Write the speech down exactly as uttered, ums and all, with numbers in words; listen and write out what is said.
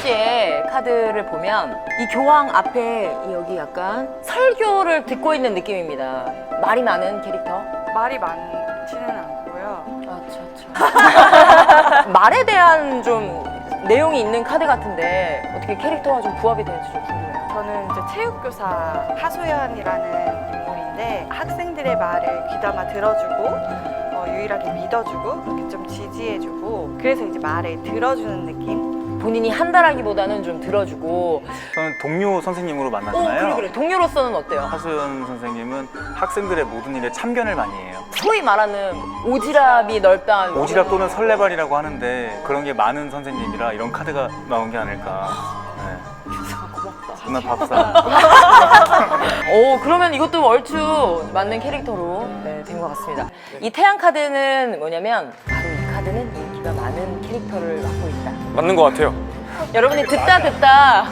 씨의 카드를 보면 이 교황 앞에 여기 약간 설교를 듣고 있는 느낌입니다. 말이 많은 캐릭터? 말이 많지는 않고요. 아차, 아차. 말에 대한 좀 내용이 있는 카드 같은데 어떻게 캐릭터와 좀 부합이 되는지 좀 궁금해요. 저는 이제 체육교사 하소연이라는 인물인데 학생들의 말을 귀담아 들어주고 어, 유일하게 믿어주고 이렇게 좀 지지해주고 그래서 이제 말을 들어주는 느낌? 본인이 한다라기보다는 좀 들어주고. 저는 동료 선생님으로 오, 만나잖아요. 그래, 그래. 동료로서는 어때요? 하소연 선생님은 학생들의 모든 일에 참견을 많이 해요. 소위 말하는 오지랖이 넓다. 오지랖 또는 설레발이라고 하는데 그런 게 많은 선생님이라 이런 카드가 나온 게 아닐까. 네. 고맙다. 누나 밥상. 오, 그러면 이것도 얼추 맞는 캐릭터로 네, 된 것 같습니다. 이 태양 카드는 뭐냐면 바로 이 카드는 인기가 많은 캐릭터를 맡고 있다. 맞는 것 같아요. 여러분이 듣다 듣다